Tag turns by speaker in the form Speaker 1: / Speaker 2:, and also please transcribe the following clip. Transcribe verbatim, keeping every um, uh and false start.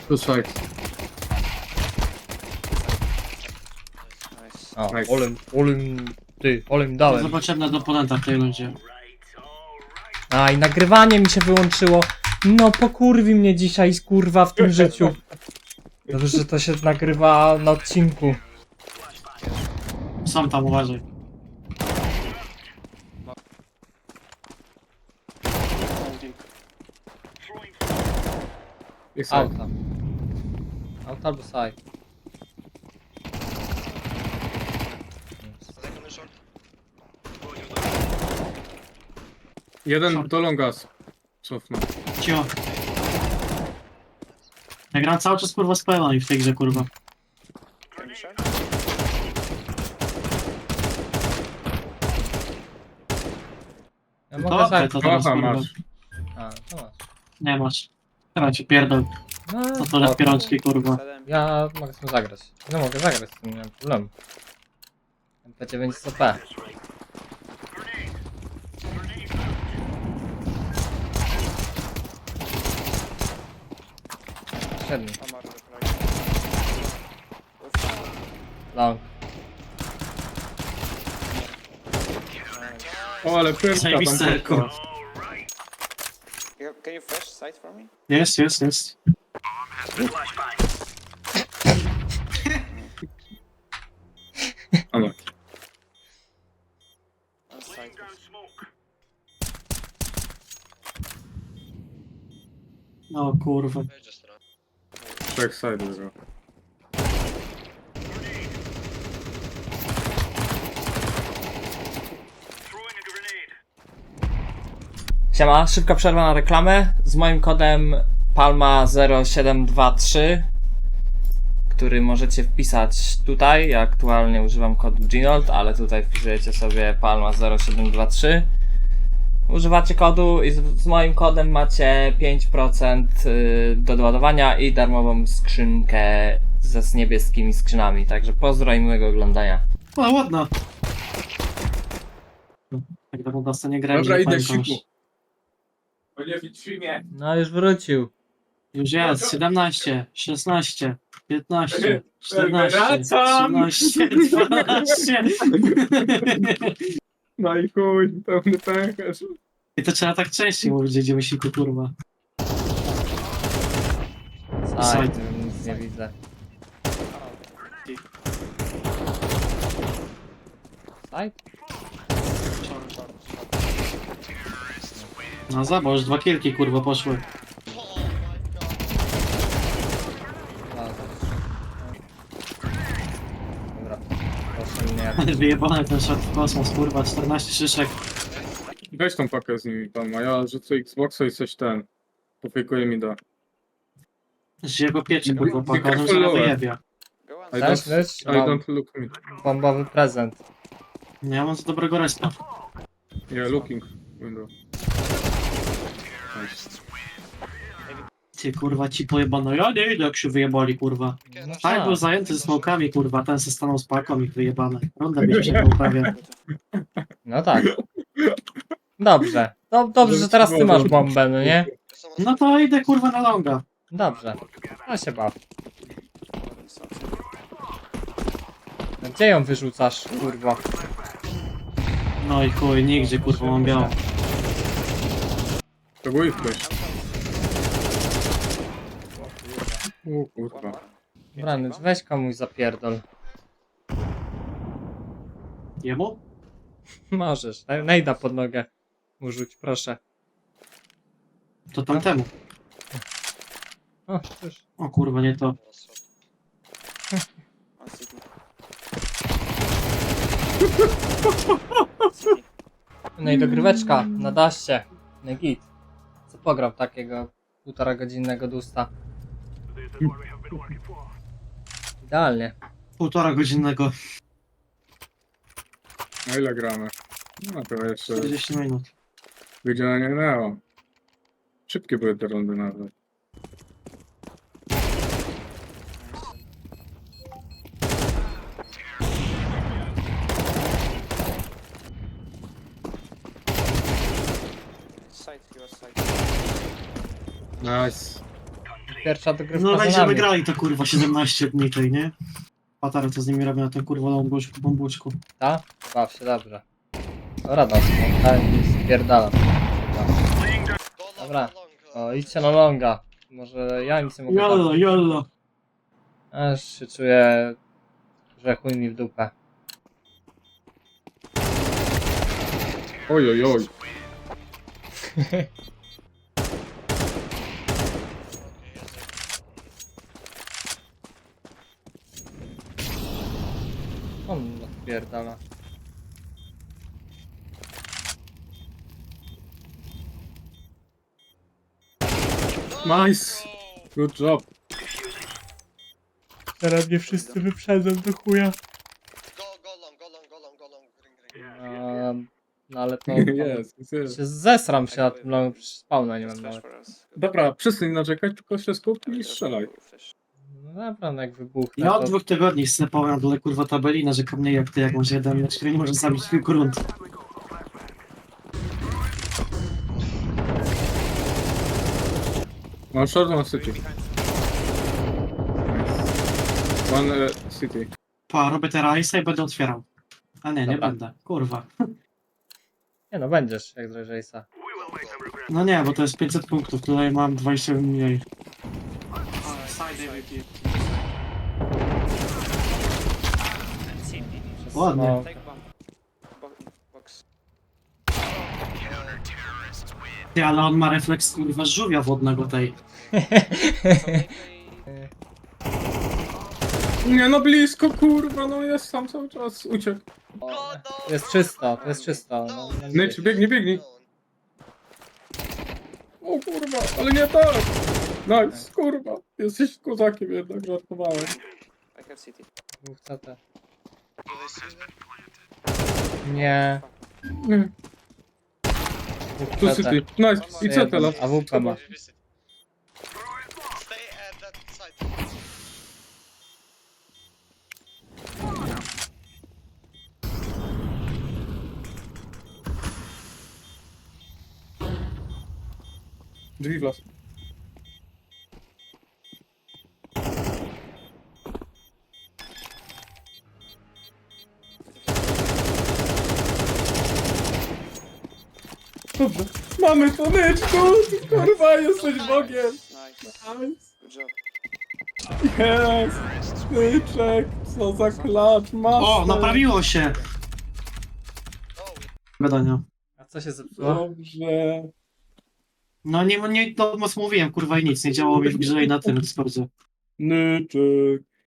Speaker 1: Two sides.
Speaker 2: Nice.
Speaker 3: O,
Speaker 1: Nice.
Speaker 3: olem, olem, ty, olem
Speaker 4: To
Speaker 3: dałem.
Speaker 4: jest potrzebne do oponenta w tej rundzie.
Speaker 3: A i nagrywanie mi się wyłączyło. No pokurwi mnie dzisiaj kurwa w tym życiu. Dobrze, że to się nagrywa na odcinku.
Speaker 4: Sam tam uważaj.
Speaker 1: I side.
Speaker 3: Auta. Auta albo side.
Speaker 1: Jeden do longas. Cofnę.
Speaker 4: Cio. Ja gram cały czas kurwa z pełną w tej grze kurwa.
Speaker 2: Can you share?
Speaker 3: Ja
Speaker 4: To
Speaker 3: mogę
Speaker 4: okej,
Speaker 3: zagrać.
Speaker 4: to teraz
Speaker 1: Aha,
Speaker 4: kurwa.
Speaker 1: masz.
Speaker 3: A, to masz.
Speaker 4: Nie masz. Teraz cię pierdol.
Speaker 3: No,
Speaker 4: To to lepiej rączki kurwa.
Speaker 2: Seven.
Speaker 3: ja mogę sobie zagrać. No mogę zagrać, z tym nie mam problemu. M P dziewięć C P. Siedem.
Speaker 2: I'm out of the right.
Speaker 3: Long.
Speaker 1: O, ale pyrka tam
Speaker 4: Zajebiste,
Speaker 1: poszła.
Speaker 4: kurwa.
Speaker 2: You, can you flash sight for me?
Speaker 4: Jest, jest, jest.
Speaker 1: A no.
Speaker 2: On sight.
Speaker 4: No kurwa.
Speaker 1: Trzech side było.
Speaker 3: Siema, szybka przerwa na reklamę z moim kodem Palma zero siedem dwa trzy, który możecie wpisać tutaj. Ja aktualnie używam kodu Ginold, ale tutaj wpisujecie sobie Palma zero siedem dwa trzy. Używacie kodu i z, z moim kodem macie pięć procent do doładowania i darmową skrzynkę ze z niebieskimi skrzynami. Także pozdro i miłego oglądania.
Speaker 4: O, ładna. Jak to po nie grałem,
Speaker 1: Dobra,
Speaker 4: że
Speaker 1: idę
Speaker 4: pamiętam.
Speaker 1: siku. O nie, w filmie.
Speaker 3: No już wrócił.
Speaker 4: Już jest, siedemnaście, szesnaście, piętnaście, czternaście,
Speaker 1: Wracam!
Speaker 4: trzynaście, dwanaście.
Speaker 1: No i chuj, pełny pęcherz.
Speaker 4: I to trzeba tak częściej mówić, że idziemy siku kurwa.
Speaker 3: Side, nic nie widzę. Side?
Speaker 4: No zobacz, już dwa kilki kurwa poszły.
Speaker 3: Dobra. Proszę mnie.
Speaker 4: Wyjebane ten shot w kosmos kurwa, czternaście szyszek.
Speaker 1: Weź tą pakę z nimi pan, a ja rzucę Xboxa i coś ten. Pofejkuję mi da.
Speaker 4: Że jego pieczy
Speaker 1: Be-
Speaker 4: kurwa,
Speaker 1: be
Speaker 4: paka, on
Speaker 1: careful
Speaker 4: zaraz
Speaker 1: lower.
Speaker 4: wyjebia.
Speaker 2: Go on
Speaker 1: I
Speaker 2: sight.
Speaker 3: Też,
Speaker 1: don't,
Speaker 3: wiesz?
Speaker 1: I
Speaker 3: Mam
Speaker 1: don't look me.
Speaker 3: bombowy prezent.
Speaker 4: Nie mam za dobrego respa.
Speaker 1: Yeah, looking window. Nice.
Speaker 4: Ty kurwa ci pojebano, ja nie idę jak się wyjebali kurwa.
Speaker 3: No
Speaker 4: Tak, był zajęty ze smokami kurwa, ten se stanął z paką i wyjebane. Ronda byś się prawie.
Speaker 3: No tak. Dobrze. No, dobrze, że teraz ty masz bombę, no nie?
Speaker 4: No to idę kurwa na longa.
Speaker 3: Dobrze. No się baw. No gdzie ją wyrzucasz, kurwa?
Speaker 4: No i chuj, nigdzie kurwa mam białą.
Speaker 1: To był ich ktoś. O
Speaker 2: One
Speaker 1: kurwa.
Speaker 2: more.
Speaker 3: Brany, weź komuś zapierdol.
Speaker 4: Jemu?
Speaker 3: Możesz. Naj- Najda pod nogę. Mu rzuć, proszę.
Speaker 4: To tamtemu.
Speaker 3: O, już.
Speaker 4: O kurwa, nie to.
Speaker 2: On city.
Speaker 3: No i dogryweczka na daście. No git. Co pograł takiego półtora godzinnego dusta? Idealnie.
Speaker 4: Półtora godzinnego.
Speaker 1: A ile gramy? No to jeszcze
Speaker 4: czterdzieści minut.
Speaker 1: godzina nie minęła. Szybkie były te rundy nawet.
Speaker 2: Sight, he was sight.
Speaker 1: Nice.
Speaker 3: pierwsza dogrywka
Speaker 4: No
Speaker 3: za
Speaker 4: będziemy
Speaker 3: nami.
Speaker 4: grali to kurwa siedemnaście dni tej, nie? Patary co z nimi robią na tym kurwa bombuczku, bombuczku.
Speaker 3: Tak? Baw się dobrze. Dobra, no, spotkałem i spierdalam. Dobra. O, idźcie na longa. Może ja nic nie mogę
Speaker 4: Jollo,
Speaker 3: dać.
Speaker 4: jollo.
Speaker 3: Aż się czuję, że chuj mi w dupę.
Speaker 1: Oj, oj, oj.
Speaker 3: On odpierdala.
Speaker 1: Nice. Good job.
Speaker 3: Teraz mnie wszyscy wyprzedzą do chuja.
Speaker 5: Go, go long, go long, go long, go long, ring, ring.
Speaker 3: Um, no ale to...
Speaker 1: Jest, jest, jest.
Speaker 3: Się zesram się na tym longu, przecież spawna nie mam
Speaker 2: Flash
Speaker 3: nawet.
Speaker 2: for us.
Speaker 1: Dobra, przestań narzekać, tylko się skup i strzelaj.
Speaker 2: Flash.
Speaker 3: No naprawdę, jak wybuchnę,
Speaker 4: Ja od
Speaker 3: to...
Speaker 4: dwóch tygodni snapowałem na dole kurwa tabeli, narzekam mniej jak ty, jak masz jeden mecz, który nie może zabić kilku rund.
Speaker 1: One short, one city. Nice. One uh, city.
Speaker 4: Pa, robię teraz i będę otwierał. A nie, nie
Speaker 3: Dobra.
Speaker 4: będę. Kurwa.
Speaker 3: Nie no, będziesz, jak Drejsa.
Speaker 4: No nie, bo to jest pięćset punktów, tutaj mam dwadzieścia mniej. Ładnie.
Speaker 2: Take bomb. Bo box.
Speaker 4: Ty, ale on ma refleks kurwa żółwia wodnego tej.
Speaker 1: Nie no, blisko, kurwa, no jest tam cały czas, uciekł.
Speaker 5: No, no,
Speaker 3: To jest czysto, to jest czysto. No, no,
Speaker 1: Nate, biegnij, biegnij. O kurwa, ale nie tak. Nice, kurwa. Jesteś kozakiem jednak, żartowałem.
Speaker 2: I have city.
Speaker 3: dwóch C T. Nie.
Speaker 1: Nie.
Speaker 3: dwóch
Speaker 1: Tu
Speaker 3: C T.
Speaker 1: city, nice. I co teraz?
Speaker 3: A W P ma.
Speaker 5: Stay at that side.
Speaker 1: Drzwi w las. Dobrze. Mamy to, Nyczku! Kurwa, jesteś Bogiem!
Speaker 2: Nice.
Speaker 1: Nice.
Speaker 2: Good job.
Speaker 1: Jest! Nyczek, co za klacz, masz!
Speaker 4: O, naprawiło się!
Speaker 5: Oh,
Speaker 4: Gadania.
Speaker 3: A co się zepsuło?
Speaker 1: Dobrze.
Speaker 4: No nie, nie, to mocno mówiłem, kurwa i nic, nie działało mi w grze i na tym Discordzie.
Speaker 1: Nyczek.